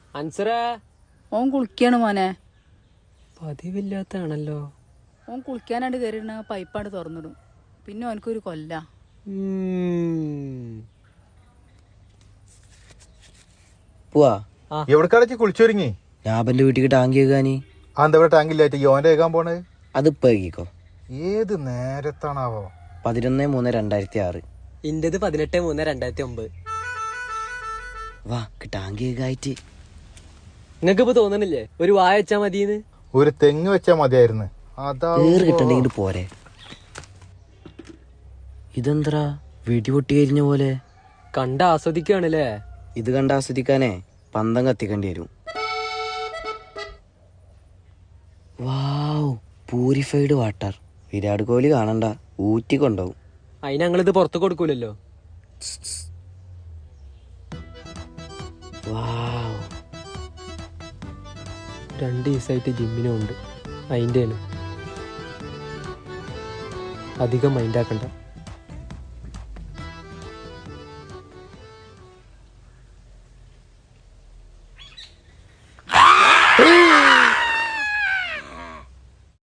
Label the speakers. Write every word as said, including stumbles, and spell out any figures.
Speaker 1: അൻസറേ,
Speaker 2: ഓൻ കുളിക്കാണ് മോനെ.
Speaker 1: പതിവില്ലാത്താണല്ലോ.
Speaker 2: ഓൻ കുളിക്കാനായിട്ട് കയറിയിരുന്ന പൈപ്പാണ്ട് തുറന്നിടും. പിന്നെ ഓനക്കൊരു കൊല്ല.
Speaker 3: പോവാ
Speaker 4: എവിടെക്കാടച്ച് കുളിച്ചൊരുങ്ങി?
Speaker 3: ഞാപ്പന്റെ വീട്ടിക്ക് ടാങ്കി കേൾക്കാനി.
Speaker 4: അതെന്താ ടാങ്കില്ലായിട്ട് യോന്റെ കേൾക്കാൻ പോണേ?
Speaker 3: അതിപ്പോ കേൾക്കോ.
Speaker 4: ഏത് നേരത്താണാവോ?
Speaker 3: പതിനൊന്ന് മൂന്ന് രണ്ടായിരത്തി ആറ്.
Speaker 1: ഇന്റത് പതിനെട്ട് മൂന്ന് രണ്ടായിരത്തി ഒമ്പത്.
Speaker 3: വാ ടാങ്കി കേൾക്കായിട്ട്.
Speaker 1: നിങ്ങക്ക് ഇപ്പൊ തോന്നണില്ലേ ഒരു വായ വെച്ചാ മതിന്ന്?
Speaker 4: ഒരു തെങ്ങ് വെച്ചാ മതിയായിരുന്നു.
Speaker 3: ഏറ് കിട്ടണ്ടെങ്കിൽ പോരെ. ഇതെന്താ വെടിപൊട്ടി കരിഞ്ഞ പോലെ?
Speaker 1: കണ്ട ആസ്വദിക്കാണല്ലേ.
Speaker 3: ഇത് കണ്ട് ആസ്വദിക്കാനേ പന്തം കത്തിക്കേണ്ടി വരും. Wow, purified water. Virat Kohli കാണണ്ട, ഊറ്റി കൊണ്ടുപോകും.
Speaker 1: അതിന് ഞങ്ങളിത് പുറത്ത് കൊടുക്കൂലല്ലോ.
Speaker 3: വാവ്,
Speaker 1: രണ്ട് ദിവസമായിട്ട് ജിമ്മിനും ഉണ്ട്. അതിൻ്റെയാണ്. അധികം മൈൻഡാക്കണ്ട.